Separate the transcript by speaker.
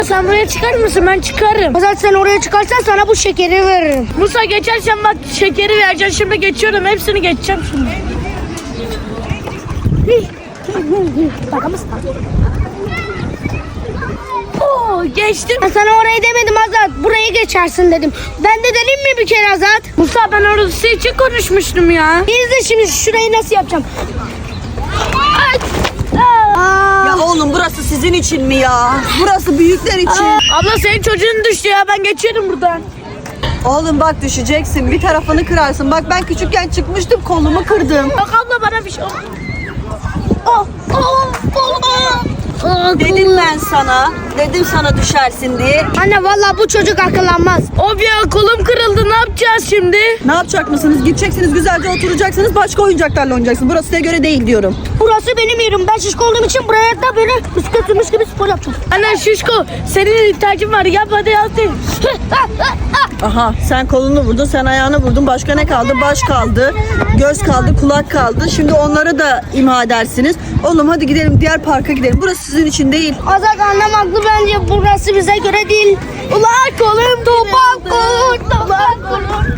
Speaker 1: Sen buraya çıkar mısın? Ben çıkarım.
Speaker 2: Azat sen oraya çıkarsan sana bu şekeri veririm.
Speaker 1: Musa geçersen bak şekeri vereceğim. Şimdi geçiyorum. Hepsini geçeceğim şimdi. Oo, geçtim.
Speaker 2: Ben sana orayı demedim Azat. Burayı geçersin dedim. Ben de dedim mi bir kere Azat?
Speaker 1: Musa ben orası için konuşmuştum ya.
Speaker 2: İzle şimdi şurayı nasıl yapacağım.
Speaker 3: Ya oğlum burası sizin için mi ya? Burası büyükler için.
Speaker 1: Abla senin çocuğun düştü ya. Ben geçiyorum buradan.
Speaker 3: Oğlum bak düşeceksin. Bir tarafını kırarsın. Bak ben küçükken çıkmıştım, kolumu kırdım.
Speaker 1: Bak abla bana bir şey oldu. Oh, oh, oh, oh.
Speaker 3: Dedim ben sana. Dedim sana düşersin diye.
Speaker 2: Anne vallahi bu çocuk akıllanmaz.
Speaker 1: Of ya kolum kırıldı. Ne yapacağız şimdi?
Speaker 3: Ne yapacak mısınız? Gideceksiniz, güzelce oturacaksınız. Başka oyuncaklarla oynayacaksınız. Burası size göre değil diyorum.
Speaker 2: Burası benim yerim. Ben şişko olduğum için buraya da böyle bisikletmiş gibi spor yapacağım.
Speaker 1: Ana şişko senin ihtiyacın var. Yap hadi hadi.
Speaker 3: Aha sen kolunu vurdun, sen ayağını vurdun. Başka ne kaldı? Baş kaldı, göz kaldı, kulak kaldı. Şimdi onları da imha edersiniz. Oğlum hadi gidelim, diğer parka gidelim. Burası sizin için değil.
Speaker 2: Azat annem haklı bence burası bize göre değil.
Speaker 1: Ulan kolum topak kolum topak kolum.